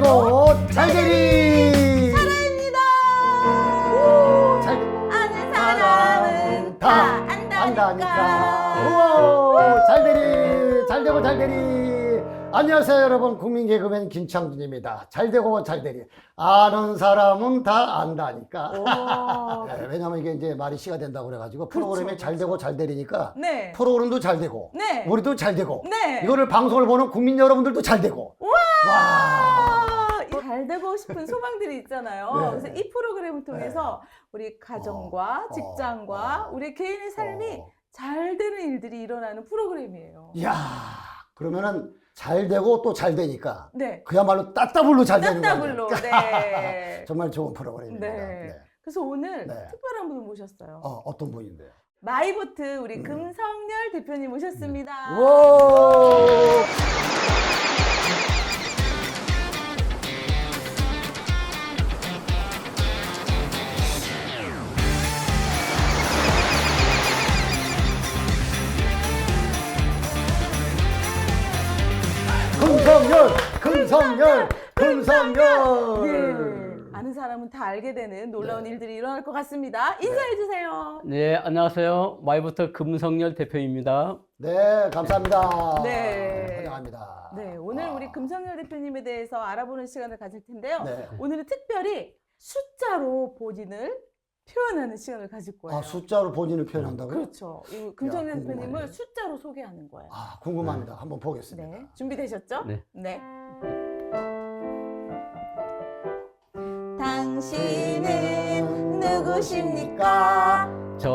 잘되고 잘되리 사랑입니다. 아는 사람은 다 안다니까. 우와, 잘되고 잘되리. 안녕하세요 여러분, 국민 개그맨 김창준입니다. 잘되고 잘되리. 아는 사람은 다 안다니까. 네, 왜냐면 이게 이제 말이 시가 된다고 그래가지고 프로그램이 그렇죠. 잘되고 잘되리니까 네. 프로그램도 잘되고 네. 우리도 잘되고 네. 이거를 방송을 보는 국민 여러분들도 잘되고. 와. 잘 되고 싶은 소망들이 있잖아요. 네. 그래서 이 프로그램을 통해서 우리 가정과 직장과 우리 개인의 삶이 잘 되는 일들이 일어나는 프로그램이에요. 이야, 그러면은 잘 되고 또 잘 되니까 네. 그야말로 따따블로 잘 되는 따따블로. 거예요. 네. 정말 좋은 프로그램입니다. 네. 그래서 오늘 네. 특별한 분을 모셨어요. 어떤 분인데요? 마이보트 우리 금성열 대표님 모셨습니다. 와. 금성열. 네. 아는 사람은 다 알게 되는 놀라운 일들이 일어날 것 같습니다. 인사해 주세요. 네, 안녕하세요. 마이부터 금성열 대표입니다. 네, 감사합니다. 네. 환영합니다. 네, 오늘 우리 금성열 대표님에 대해서 알아보는 시간을 가질 텐데요. 네. 오늘은 특별히 숫자로 본인을 표현하는 시간을 가질 거예요. 숫자로 본인을 표현한다고요? 그렇죠. 이 금성열 궁금하네. 대표님을 숫자로 소개하는 거예요. 궁금합니다. 한번 보겠습니다. 네, 준비되셨죠? 네. 당신은 누구십니까?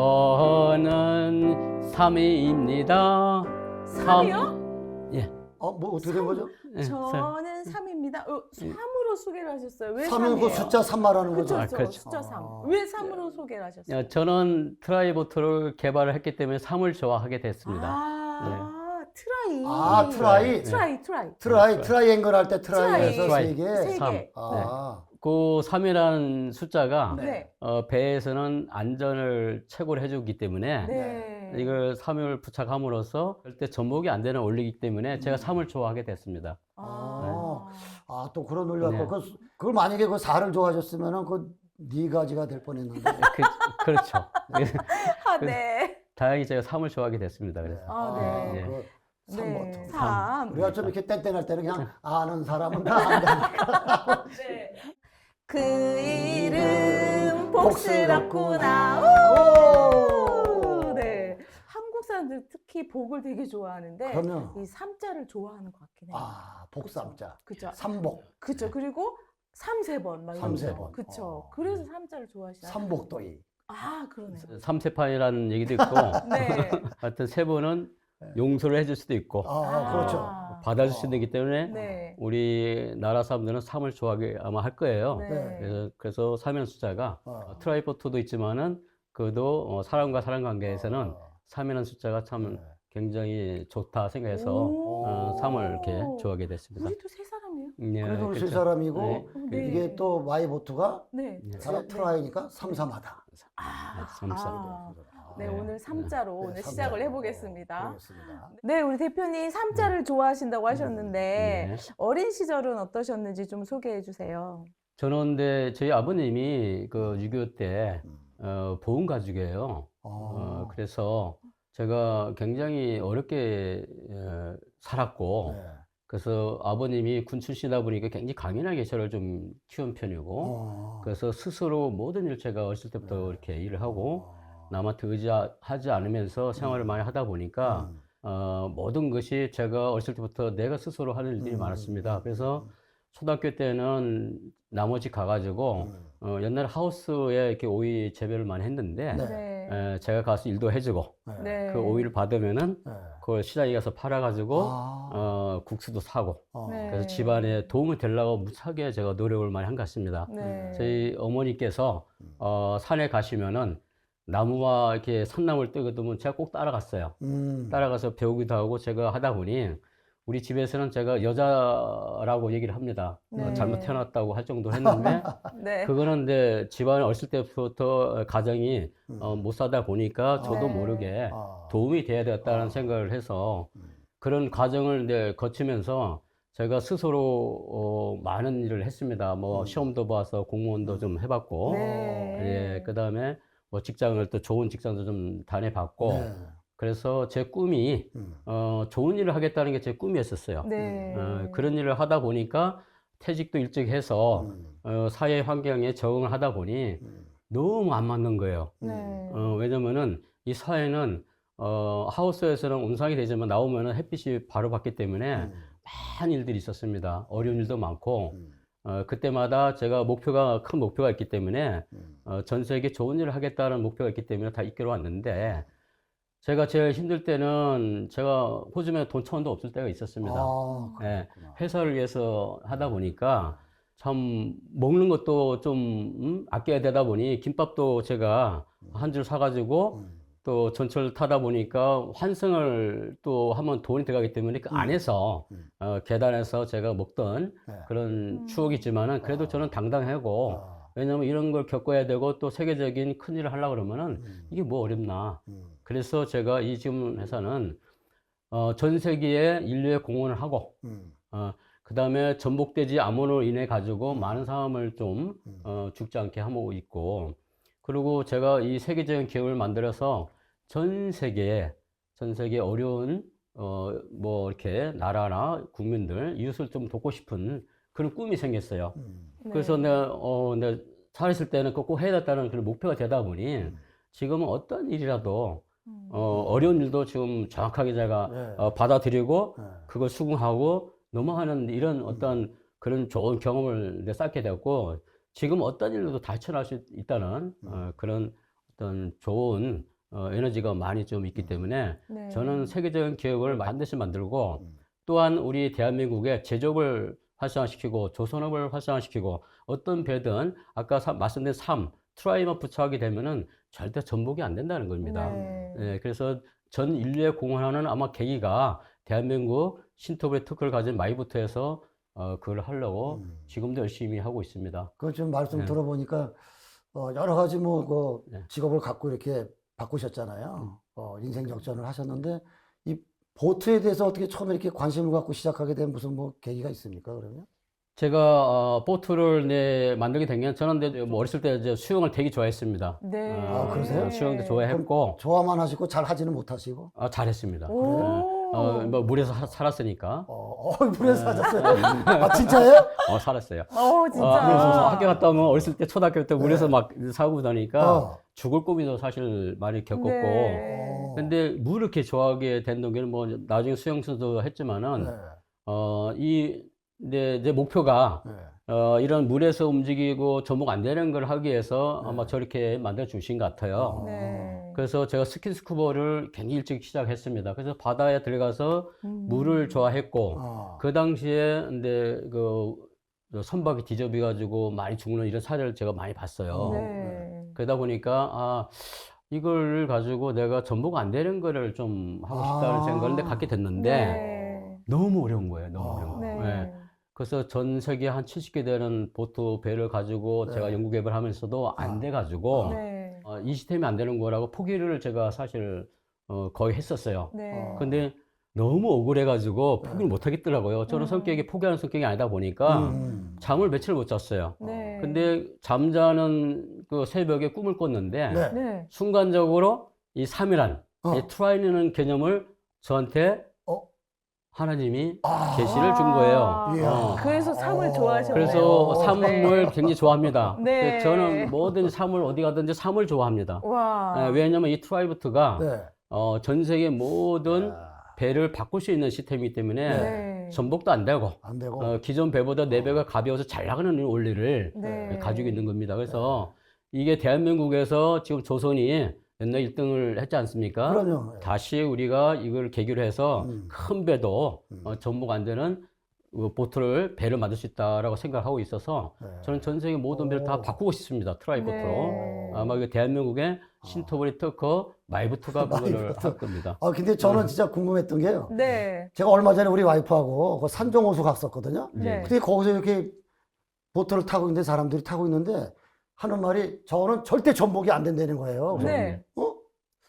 저는 3위입니다. 삼이요? 예. 뭐 어떻게 된 거죠? 예, 저는 3입니다. 3으로 소개를 하셨어요. 왜 3은 그 3이에요? 숫자 3 말하는 거죠? 그렇죠. 그렇죠. 숫자 3. 아. 왜 3으로 소개를 하셨어요? 저는 트라이보트를 개발을 했기 때문에 3을 좋아하게 됐습니다. 트라이. 트라이. 트라이앵글 할 때 트라이에서 트라이. 세 개. 세 삼. 개. 그 3이라는 숫자가 네. 배에서는 안전을 최고로 해주기 때문에 네. 이걸 3을 부착함으로써 절대 전복이 안 되는 원리이기 때문에 제가 3을 좋아하게 됐습니다. 또 그런 논리가 네. 있고 그걸 만약에 그 4를 좋아하셨으면은 그 네 가지가 될 뻔했는데. 그렇죠. 네. 다행히 제가 3을 좋아하게 됐습니다. 그래서. 네. 그 3 네. 버튼. 3. 우리가 좀 이렇게 땡땡할 때는 그냥 아는 사람은 다 안다니까. 네. 그 이름 복스럽구나. 오! 네. 한국 사람들 특히 복을 되게 좋아하는데 그러면 이 3자를 좋아하는 것 같긴 해요. 복삼자. 그죠? 삼복. 그죠. 그리고 3~4번 막 삼세 이러면서. 번. 그쵸. 그래서 3자를 좋아하시나요? 삼복도이. 그러네요. 삼세판이라는 얘기도 있고, 네. 하여튼 세 번은 용서를 해줄 수도 있고, 그렇죠. 받아줄 수도 있기 때문에, 네. 우리나라 사람들은 3을 좋아하게 아마 할 거예요. 네. 그래서 3의 숫자가 트라이포트도 있지만은, 그래도 사람과 사람 관계에서는 3이라는 숫자가 참 굉장히 좋다 생각해서 3을 이렇게 좋아하게 됐습니다. 우리도 세 사람이에요? 네, 그래도 그렇죠. 세 사람이고 네. 이게 또 마이보트가 네. 트라이니까 삼삼하다. 삼삼. 네, 오늘 3자로 오늘 삼자. 시작을 해보겠습니다. 그렇습니다. 네, 우리 대표님 3자를 좋아하신다고 하셨는데 네. 어린 시절은 어떠셨는지 좀 소개해 주세요. 저는 근데 저희 아버님이 그 6.25 때 보훈 가족이에요. 그래서 제가 굉장히 어렵게 살았고, 네. 그래서 아버님이 군 출신이다 보니까 굉장히 강인하게 저를 좀 키운 편이고, 그래서 스스로 모든 일 제가 어렸을 때부터 이렇게 일을 하고, 남한테 의지하지 않으면서 생활을 많이 하다 보니까, 모든 것이 제가 어렸을 때부터 내가 스스로 하는 일들이 많았습니다. 그래서 초등학교 때는 나머지 가가지고, 옛날 하우스에 이렇게 오이 재배를 많이 했는데, 네. 제가 가서 일도 해주고, 네. 그 오이를 받으면은, 그걸 시장에 가서 팔아가지고, 국수도 사고, 네. 그래서 집안에 도움이 되려고 무척에 제가 노력을 많이 한 것 같습니다. 네. 저희 어머니께서, 산에 가시면은, 나무와 이렇게 산나물 뜨거두면 제가 꼭 따라갔어요. 따라가서 배우기도 하고 제가 하다 보니, 우리 집에서는 제가 여자라고 얘기를 합니다. 네. 잘못 태어났다고 할 정도 했는데, 네. 그거는 이제 집안에 어렸을 때부터 가정이 못 사다 보니까 저도 네. 모르게 도움이 돼야 되겠다는 생각을 해서 그런 과정을 이제 거치면서 제가 스스로 많은 일을 했습니다. 뭐 시험도 봐서 공무원도 좀 해봤고, 네. 예, 그다음에 뭐 직장을 또 좋은 직장도 좀 다녀봤고, 네. 그래서 제 꿈이 좋은 일을 하겠다는 게 제 꿈이었었어요. 네. 그런 일을 하다 보니까 퇴직도 일찍 해서 사회 환경에 적응을 하다 보니 너무 안 맞는 거예요. 네. 왜냐면은 이 사회는 하우스에서는 온상이 되지만 나오면은 햇빛이 바로 받기 때문에 많은 일들이 있었습니다. 어려운 일도 많고, 그때마다 제가 큰 목표가 있기 때문에, 전 세계 좋은 일을 하겠다는 목표가 있기 때문에 다 이끌어 왔는데, 제가 제일 힘들 때는 제가 호주에 돈 1,000원도 없을 때가 있었습니다. 예, 회사를 위해서 하다 보니까 참 먹는 것도 좀 아껴야 되다 보니 김밥도 제가 한 줄 사가지고 또 전철 타다 보니까 환승을 또 하면 돈이 들어가기 때문에 그 안에서 계단에서 제가 먹던 그런 추억이 있지만은 그래도 저는 당당하고 왜냐면 이런 걸 겪어야 되고 또 세계적인 큰 일을 하려고 그러면은 이게 뭐 어렵나. 그래서 제가 이 지금 회사는 전 세계에 인류에 공헌을 하고 그 다음에 전복되지 암호로 인해 가지고 많은 사람을 좀 죽지 않게 하고 있고 그리고 제가 이 세계적인 기업을 만들어서 전 세계에 어려운 뭐 이렇게 나라나 국민들 이웃을 좀 돕고 싶은 그런 꿈이 생겼어요. 그래서 내가 살았을 때는 꼭 해야 됐다는 그런 목표가 되다 보니 지금은 어떤 일이라도 어려운 일도 지금 정확하게 제가 받아들이고 그걸 수긍하고 넘어가는 이런 어떤 그런 좋은 경험을 쌓게 되었고 지금 어떤 일로도 다 헤쳐나갈 수 있다는 그런 어떤 좋은 에너지가 많이 좀 있기 때문에 저는 세계적인 기업을 반드시 만들고 또한 우리 대한민국의 제조업을 활성화시키고 조선업을 활성화시키고 어떤 배든 아까 말씀드린 트라이만 부처하게 되면은 절대 전복이 안 된다는 겁니다. 네, 그래서 전 인류에 공헌하는 아마 계기가 대한민국 신토불의 특허를 가진 마이부터에서 그걸 하려고 지금도 열심히 하고 있습니다. 그 좀 말씀 들어보니까 여러 가지 뭐 그 직업을 갖고 이렇게 바꾸셨잖아요. 인생 역전을 하셨는데 이 보트에 대해서 어떻게 처음에 이렇게 관심을 갖고 시작하게 된 무슨 뭐 계기가 있습니까, 그러면? 제가 보트를 만들게 된 게 저는 뭐 어렸을 때 이제 수영을 되게 좋아했습니다. 네. 그러세요? 수영도 좋아했고 좋아만 하시고 잘 하지는 못하시고? 잘했습니다. 오. 뭐 물에서 살았으니까. 물에서 하셨어요? 진짜예요? 살았어요. 진짜. 그래서 학교 갔다 오면 어렸을 때 초등학교 때 물에서 막 사고 다니까 죽을 꿈이도 사실 많이 겪었고. 근데 물을 이렇게 좋아하게 된 동기는 뭐 나중에 수영 선수도 했지만은 내 목표가 이런 물에서 움직이고 전복 안 되는 걸 하기 위해서 아마 저렇게 만들어 주신 것 같아요. 그래서 제가 스킨스쿠버를 굉장히 일찍 시작했습니다. 그래서 바다에 들어가서 물을 좋아했고 그 당시에 근데 그 선박이 뒤집어 가지고 많이 죽는 이런 사례를 제가 많이 봤어요. 그러다 보니까 이걸 가지고 내가 전복 안 되는 거를 좀 하고 싶다는 생각을 갖게 됐는데 너무 어려운 거예요. 너무 어려운 거예요. 그래서 전 세계 한 70개 되는 보트 배를 가지고 제가 연구 개발을 하면서도 안 돼 가지고 이 시스템이 안 되는 거라고 포기를 제가 사실 거의 했었어요. 근데 너무 억울해 가지고 포기를 못 하겠더라고요. 저는 성격이 포기하는 성격이 아니다 보니까 잠을 며칠 못 잤어요. 근데 잠자는 그 새벽에 꿈을 꿨는데 순간적으로 이 3이란 이 트라이라는 개념을 저한테 하나님이 계시를 준 거예요. 그래서 삶을 좋아하셨네요. 그래서 삶을 굉장히 좋아합니다. 저는 뭐든지 삶을 어디 가든지 삶을 좋아합니다. 왜냐하면 이 트라이부트가 전 세계 모든 배를 바꿀 수 있는 시스템이기 때문에 전복도 안 되고 기존 배보다 4배가 가벼워서 잘 나가는 원리를 가지고 있는 겁니다. 그래서 이게 대한민국에서 지금 조선이 옛날 1등을 했지 않습니까? 그럼요. 다시 우리가 이걸 계기로 해서 큰 배도 전복 안 되는 배를 만들 수 있다라고 생각하고 있어서 저는 전 세계 모든 배를 다 바꾸고 싶습니다. 트라이보트로. 아마 이게 대한민국의 신토불이 특허 마이부트가 그거를 할 겁니다. 근데 저는 진짜 궁금했던 게요. 네. 제가 얼마 전에 우리 와이프하고 그 산정호수 갔었거든요. 네. 근데 거기서 이렇게 보트를 타고 있는데 사람들이 타고 있는데 하는 말이 저는 절대 전복이 안 된다는 거예요. 그래서 네.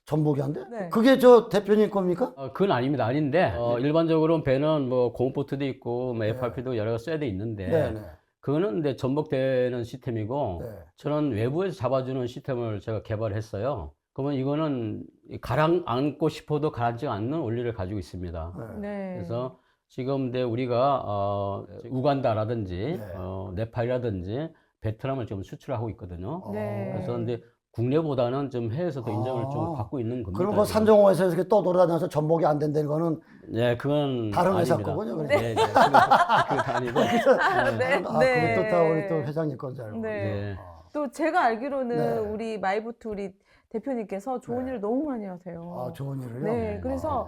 전복이 안 돼? 네. 그게 저 대표님 겁니까? 그건 아닙니다. 아닌데 일반적으로 배는 뭐 고무보트도 있고 뭐 네. FRP도 여러 가지 쇠도 있는데 네. 그거는 근데 전복되는 시스템이고 네. 저는 외부에서 잡아주는 시스템을 제가 개발했어요. 그러면 이거는 가라앉고 싶어도 가라앉지 않는 원리를 가지고 있습니다. 네. 그래서 지금 근데 우리가 우간다라든지 네. 네팔이라든지 베트남을 지금 수출하고 있거든요. 네. 그래서 근데 국내보다는 좀 해외에서도 인정을 좀 아. 받고 있는 겁니다. 그럼 그 지금. 산정호에서 이렇게 떠돌아다녀서 전복이 안 된다는 거는 네, 그건 다른 회사 아닙니다. 거군요. 그러니까. 네, 네, 그건 아니고. 네. 아, 네. 그것도 다 우리 또 회장님 건 줄 알고. 네. 네. 또 제가 알기로는 네. 우리 마이보트 우리 대표님께서 좋은 네. 일을 너무 많이 하세요. 아, 좋은 일을요? 네, 그래서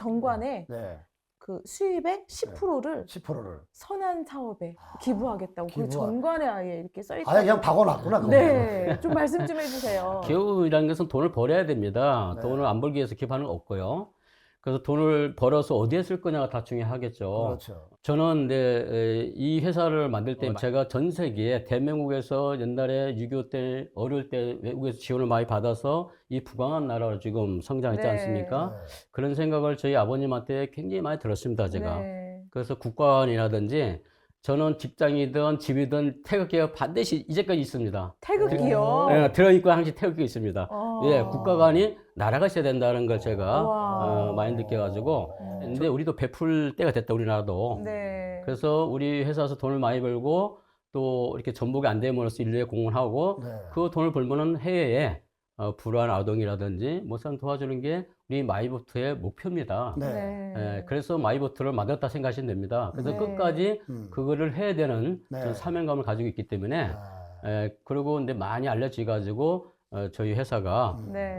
정관에 네. 그 수입의 10%를 10%를. 선한 사업에 기부하겠다고 그 기부하- 정관에 아예 이렇게 써 아예 있다고. 그냥 박아놨구나. 그거. 네, 좀 말씀 좀 해주세요. 기업이라는 것은 돈을 벌어야 됩니다. 네. 돈을 안 벌기 위해서 기부하는 건 없고요. 그래서 돈을 벌어서 어디에 쓸 거냐가 다 중요하겠죠. 그렇죠. 저는 근데 이 회사를 만들 때 제가 전 세계에 대명국에서 옛날에 6.25 때 어릴 때 외국에서 지원을 많이 받아서 이 부강한 나라로 지금 성장했지 네. 않습니까? 네. 그런 생각을 저희 아버님한테 굉장히 많이 들었습니다, 제가. 네. 그래서 국가원이라든지 저는 직장이든 집이든 태극기가 반드시 이제까지 있습니다. 태극기요. 네, 들어있고 항상 태극기가 있습니다. 어. 예, 국가관이 나라가 있어야 된다는 걸 제가 와. 많이 느껴가지고 근데 우리도 베풀 때가 됐다, 우리나라도. 네. 그래서 우리 회사에서 돈을 많이 벌고 또 이렇게 전복이 안 됨으로써 인류에 공헌하고 네. 그 돈을 벌면은 해외에 불우한 아동이라든지 뭐 사람 도와주는 게 우리 마이보트의 목표입니다. 네. 네. 예, 그래서 마이보트를 만들었다 생각하시면 됩니다. 그래서 네. 끝까지 그거를 해야 되는 네. 저는 사명감을 가지고 있기 때문에 아, 그리고 근데 많이 알려지가지고 저희 회사가 네.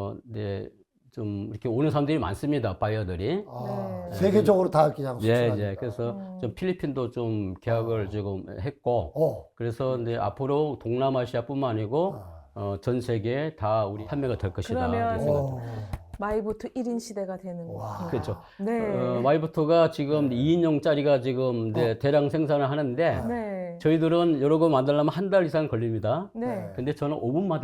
네, 좀 이렇게 오는 사람들이 많습니다. 바이어들이. 아, 네. 세계적으로 다 그냥 예, 수출하니까. 예. 그래서 음. 좀 필리핀도 좀 계약을 지금 했고, 그래서 근데 앞으로 동남아시아뿐만 아니고 전 세계에 다 우리 판매가 될 것이다. 그러면 이렇게 생각합니다. 마이보트 1인 시대가 되는 와. 건가요? 그렇죠. 네. 마이보트가 지금 2인용짜리가 지금 이제 대량 생산을 하는데 네. 저희들은 여러 거 만들려면 한 달 이상 걸립니다. 네. 근데 저는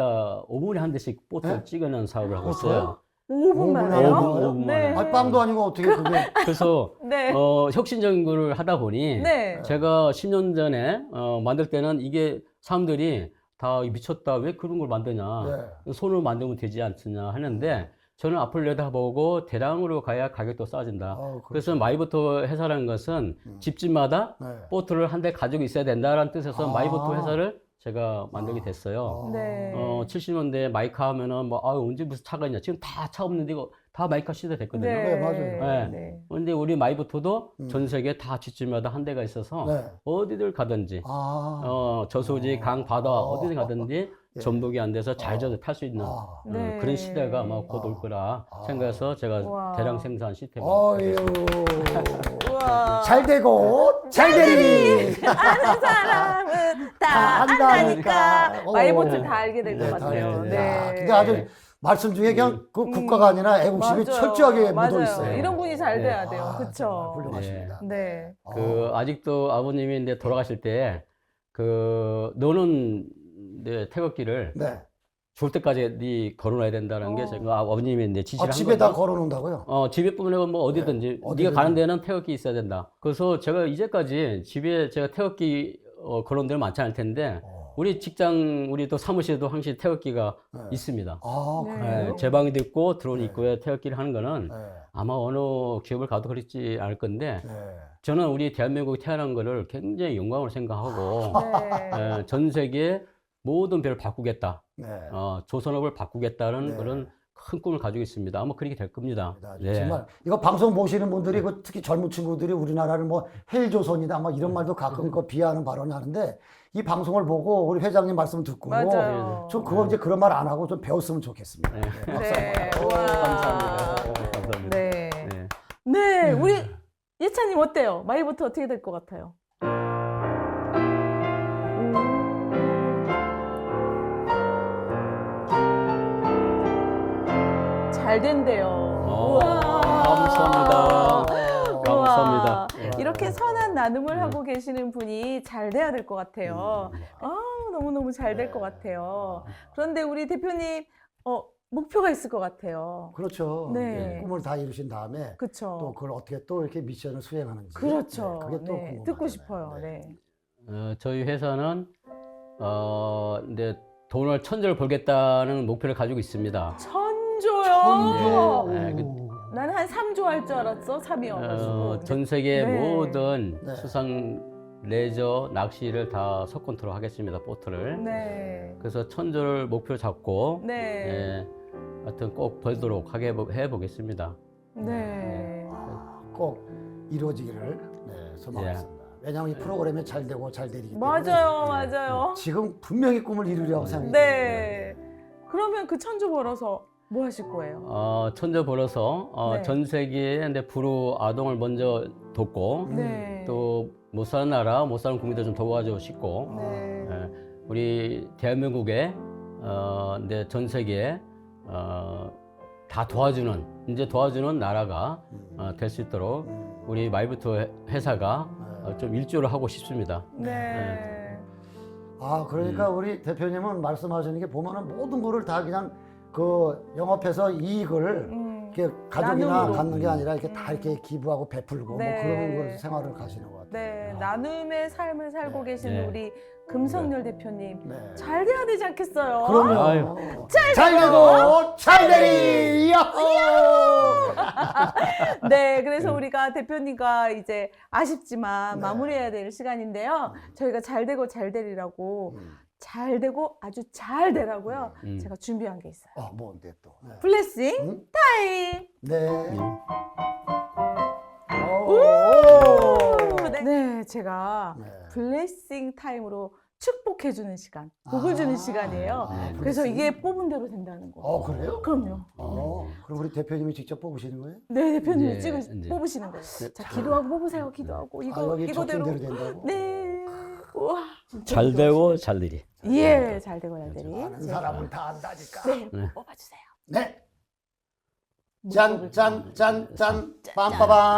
5분에 한 대씩 보트를 네? 찍어내는 사업을 하고 그래요? 있어요. 5분 만에요? 5분 만에. 네. 아니, 빵도 아니고 어떻게 그게. 그래서 네. 혁신적인 거를 하다 보니 네. 제가 10년 전에 만들 때는 이게 사람들이 다 미쳤다, 왜 그런 걸 만드냐, 네. 손으로 만들면 되지 않느냐 하는데 저는 앞을 내다보고 대량으로 가야 가격도 싸진다. 그렇죠. 그래서 마이보트 회사라는 것은 집집마다 네. 보트를 한 대 가지고 있어야 된다라는 뜻에서 아. 마이보트 회사를 제가 만들게 됐어요. 네. 70년대 마이카 하면은 뭐 언제 무슨 차가 있냐, 지금 다 차 없는데 이거 다 마이카 시대 됐거든요. 네, 맞아요. 네. 네. 근데 우리 마이보트도 전 세계 다 집집마다 한 대가 있어서 네. 어디들 가든지 아. 저수지, 강, 바다 어디든 가든지 예. 전복이 안 돼서 잘 져서 탈 수 있는 아. 네. 그런 시대가 아마 곧 올 거라 생각해서 제가 와. 대량 생산 시스템을 어유. 우와. 잘 되고 잘 되리. 아는 사람은 다 다 안다니까. 안다니까. 마이보트 다 알게 될 것 네, 같아요. 네. 네. 야, 근데 아주 말씀 중에 그냥 그 국가가 아니라 애국심이 맞아요. 철저하게 맞아요. 묻어 있어요. 이런 분이 잘 네. 돼야 돼요. 아, 그렇죠. 정말 훌륭하십니다. 네. 아직도 아버님이 이제 돌아가실 때 너는 내 태극기를 네. 죽을 때까지 네 걸어놔야 된다는 게 제가 아버님이 이제 지시를 한 집에다 거죠. 걸어놓는다고요? 집에뿐만 아니라 뭐 어디든지 네, 네가 어디든지. 가는 데는 태극기 있어야 된다. 그래서 제가 이제까지 집에 제가 태극기 걸어놓은 데는 많지 않을 텐데 우리 직장 우리 또 사무실에도 항상 태극기가 네. 있습니다. 아, 네. 그래요? 제 방에도 있고 들어온 네. 입구에 태극기를 하는 거는 네. 아마 어느 기업을 가도 그렇지 않을 건데 네. 저는 우리 대한민국에 태어난 거를 굉장히 영광으로 생각하고 네. 전 세계 모든 배를 바꾸겠다. 네. 조선업을 바꾸겠다는 네. 그런 큰 꿈을 가지고 있습니다. 아마 그렇게 될 겁니다. 네. 정말 이거 방송 보시는 분들이 그 특히 젊은 친구들이 우리나라를 뭐 헬조선이다 막 이런 말도 가끔 그 비하하는 발언을 하는데 이 방송을 보고 우리 회장님 말씀 듣고 맞아요. 좀 그거 이제 그런 말 안 하고 좀 배웠으면 좋겠습니다. 네. 네, 박수 네. 한번. 와. 감사합니다. 감사합니다. 네. 네. 네. 우리 예찬님 어때요? 마이보트 어떻게 될 것 같아요? 잘 된대요. 감사합니다. 우와. 감사합니다. 이렇게 선한 나눔을 하고 계시는 분이 잘 돼야 될 것 같아요. 너무너무 잘 될 것 같아요. 그런데 우리 대표님, 목표가 있을 것 같아요. 그렇죠. 네. 꿈을 다 이루신 다음에 또 그렇죠. 그걸 어떻게 또 이렇게 미션을 수행하는지. 그렇죠. 네, 그게 또 네, 궁금하잖아요. 듣고 싶어요. 네. 저희 회사는 이제 돈을 1,000조를 벌겠다는 목표를 가지고 있습니다. 천조요. 네, 나는 한 3조 할 줄 알았어. 3이어가지고. 전 세계 네. 모든 네. 수상, 레저, 낚시를 다 석권토로 하겠습니다. 보트를. 네. 그래서 1,000조를 목표 잡고 네. 예, 하여튼 꼭 벌도록 해보겠습니다. 네. 꼭 이루어지기를 소망하겠습니다. 왜냐하면 이 프로그램이 잘 되고 잘 되기 때문에 맞아요. 맞아요. 지금 분명히 꿈을 이루려고 생각이 네. 그러면 그 1,000조 벌어서 뭐 하실 거예요? 1,000조 벌어서 네. 전 세계에 이제 불우 아동을 먼저 돕고 네. 또 못 사는 나라, 못 사는 국민들 좀 도와주고 싶고 네. 예, 우리 대한민국에 이제 전 세계에 다 도와주는 이제 도와주는 나라가 될 수 있도록 우리 마이부터 회사가 좀 일조를 하고 싶습니다. 네. 아, 그러니까 우리 대표님은 말씀하시는 게 보면은 모든 거를 다 그냥 그 영업해서 이익을 이렇게 가족이나 나눔으로. 갖는 게 아니라 이렇게 다 이렇게 기부하고 베풀고 네. 뭐 그런 걸 생활을 가시는 것 같아요. 네. 나눔의 삶을 살고 네. 계시는 네. 우리 금성열 대표님. 네. 잘 돼야 되지 않겠어요? 그럼요. 아유. 잘 되고 잘 되리. 야호! 네, 그래서 우리가 대표님과 이제 아쉽지만 네. 마무리해야 될 시간인데요. 저희가 잘 되고 잘 되리라고 음. 잘 되고 아주 잘 되라고요. 음. 제가 준비한 게 있어요. 뭔데 또? 네. 블레싱 음? 타임. 네. 네, 제가 네. 블레싱 타임으로 축복해주는 시간, 복을 주는 시간이에요. 아, 그래서 블레싱? 이게 뽑은 대로 된다는 거. 그래요? 그럼요. 그럼 우리 대표님이 직접 뽑으시는 거예요? 네, 대표님이 이제, 뽑으시는 거예요. 네. 자, 기도하고 뽑으세요. 기도하고 여기 이거대로. 적힌대로 된다고? 네. 우와. 잘 되고 잘 되리. 예, 잘 되고 잘 되리. 아는 사람은 다 안다니까. 네, 네. 뽑아주세요. 네. 뭐 짠, 뽑을까요? 짠, 짠, 짠, 빰빠밤.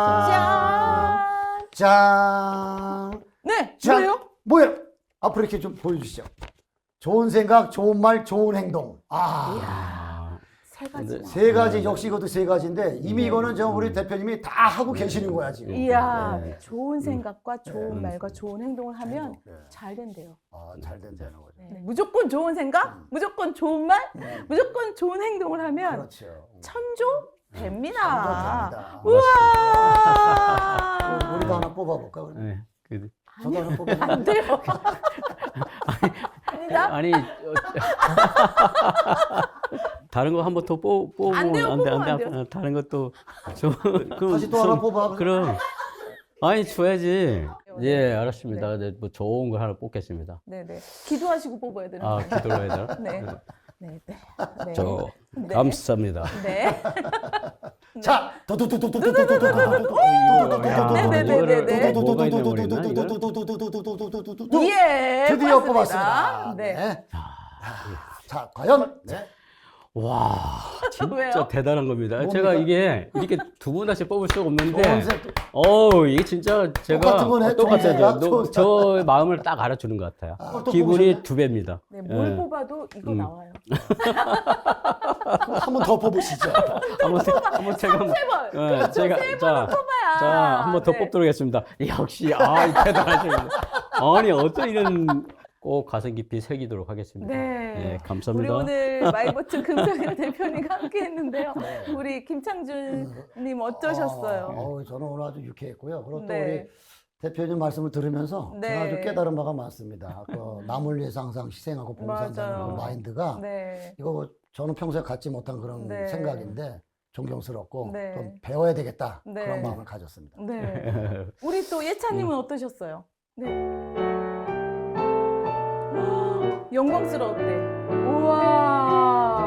짠. 짠. 네, 짠. 뭐예요? 뭐예요? 앞으로 이렇게 좀 보여주시죠. 좋은 생각, 좋은 말, 좋은 행동. 세 가지. 네. 세 가지, 역시 이것도 세 가지인데 이미 이거는 저 우리 대표님이 다 하고 계시는 거야, 지금. 이야, 네. 좋은 생각과 좋은 네. 말과 좋은 행동을 하면 네. 잘 된대요. 잘 된다는 거죠. 네, 무조건 좋은 생각, 무조건 좋은 말, 무조건 좋은 행동을 하면 그렇죠. 천조 됩니다. 됩니다. 우와! 우리도 하나 뽑아볼까? 그러면? 네. 저도 하나 뽑아볼까? 안 돼요. 아니다. 아니 다른 거 한번 더 뽑으면 안 돼요, 안 돼, 뽑으면 안 돼요. 다른 것도 좀 다시 또 하나 뽑아. 그럼 아니 줘야지. 예, 알았습니다. 네, 뭐 좋은 걸 하나 뽑겠습니다. 네네. 기도하시고 뽑아야 되는 아, 거예요. 기도를 해야 되나? 네. 네, 네. 네. 저 네. 감사합니다. 네. 자, 네네네네네. 뭐가 있나 모르겠나, 이거를? 예. 드디어 맞습니다. 뽑았습니다. 네. 네. 자, 과연 와, 진짜 왜요? 대단한 겁니다. 뭡니까? 제가 이게 이렇게 두 분 다시 뽑을 수가 없는데, 좋은 색- 이게 진짜 제가 똑같은 거네, 좋은 생각, 좋은 저 마음을 딱 알아주는 것 같아요. 또 기분이 뽑으셨네? 2배입니다. 네, 뭘 예. 뽑아도 이거 나와요. 한 번 더 뽑으시죠. 한번 제가 한번 세 번. 예, 그렇죠. 제가 세 자, 번은 뽑아야. 자, 한 번 더 네. 뽑도록 하겠습니다. 역시 대단하십니다. 아니 어떤 이런 꼭 가슴 깊이 새기도록 하겠습니다. 네. 예, 우리 감사합니다. 오늘 마이보트 금성열 대표님과 함께 했는데요. 우리 김창준님 어떠셨어요? 저는 오늘 아주 유쾌했고요. 그리고 또 네. 우리 대표님 말씀을 들으면서 네. 제가 아주 깨달은 바가 많습니다. 남을 위해서 항상 희생하고 봉사한다는 맞아요. 그 마인드가 네. 이거 저는 평소에 갖지 못한 그런 네. 생각인데 존경스럽고 네. 좀 배워야 되겠다 네. 그런 마음을 가졌습니다. 네. 우리 또 예찬님은 어떠셨어요? 네. 영광스러웠대. 우와.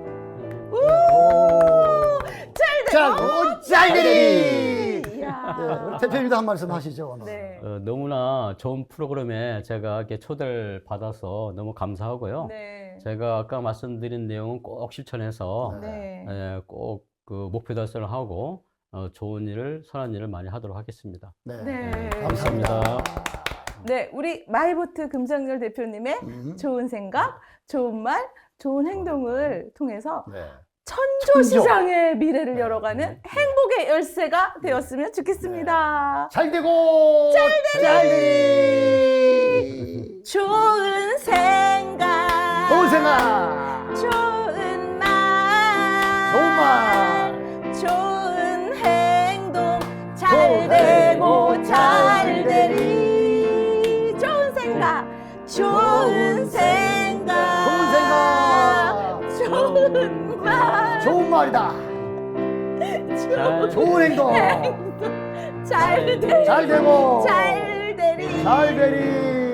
짤되리! 이야. 네, 우리 대표님도 한 말씀 하시죠. 오늘. 네. 너무나 좋은 프로그램에 제가 이렇게 초대를 받아서 너무 감사하고요. 네. 제가 아까 말씀드린 내용은 꼭 실천해서 네. 꼭 그 목표 달성을 하고 좋은 일을 선한 일을 많이 하도록 하겠습니다. 네. 네. 감사합니다. 네, 우리 마이보트 금성열 대표님의 좋은 생각, 좋은 말, 좋은 행동을 통해서 네. 천조시장의 미래를 네. 열어가는 행복의 열쇠가 되었으면 좋겠습니다. 잘 되고 잘 되리. 좋은 생각, 좋은 생각, 좋은 말, 좋은 말, 좋은 행동, 잘 좋은 되고 행동, 잘 되리. 좋은 생각, 좋은 생각, 좋은 말, 좋은 말이다. 좋은 행동, 잘 되리. 잘 되고 잘 되리. 잘 되리.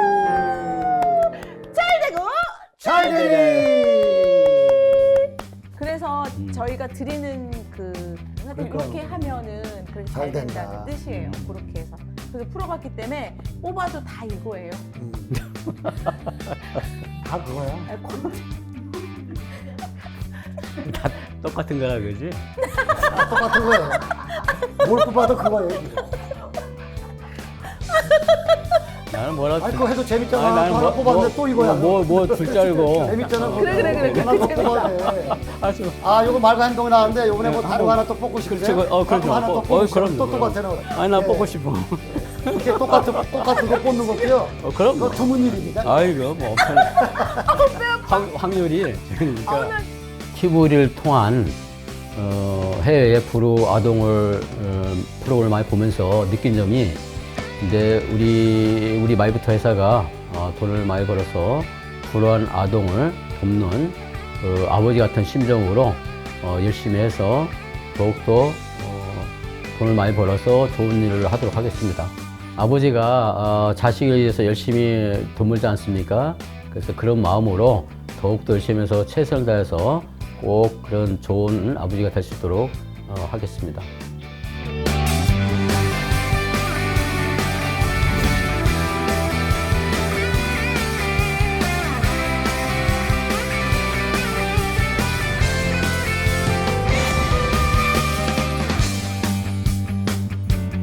잘 되고. 잘 되리. 그래서 저희가 드리는 하여튼 그러니까요. 이렇게 하면은 그렇게 잘 잘 된다. 된다는 뜻이에요. 그렇게 해서. 그래서 풀어봤기 때문에 뽑아도 다 이거예요. 다 그거야. 다 똑같은 거라 그러지? 다 똑같은 거예요. 뭘 뽑아도 그거예요. 나는 뭐라 아니 그거 해도 재밌잖아. 아니, 나는 또 하나 뽑았는데 또 이거야. 뭐줄 줄 알고. 재밌잖아. 그래. 하나 더 뽑아야 돼. 아주 아, 요거 말과 행동이 나왔는데 요번에 뭐 네, 다른 거 한번- 하나 또 뽑고 싶으세요? 그렇지, 그럼요. 하나 또 뽑고 싶어요. 그럼요, 또 그럼요. 똑같아요. 아니 나 예. 뽑고 싶어. 이렇게 똑같은 거 뽑는 것도요. 그럼 이거 드문 일입니다. 아이고 뭐 없잖아. 확률이 그러니까 TV를 통한 해외의 프로 아동을 프로그램을 많이 보면서 느낀 점이 이제 우리 마이부터 회사가 돈을 많이 벌어서 불우한 아동을 돕는 아버지 같은 심정으로 열심히 해서 더욱더 돈을 많이 벌어서 좋은 일을 하도록 하겠습니다. 아버지가 자식을 위해서 열심히 돈 벌지 않습니까? 그래서 그런 마음으로 더욱더 열심히 해서 최선을 다해서 꼭 그런 좋은 아버지가 될 수 있도록 하겠습니다.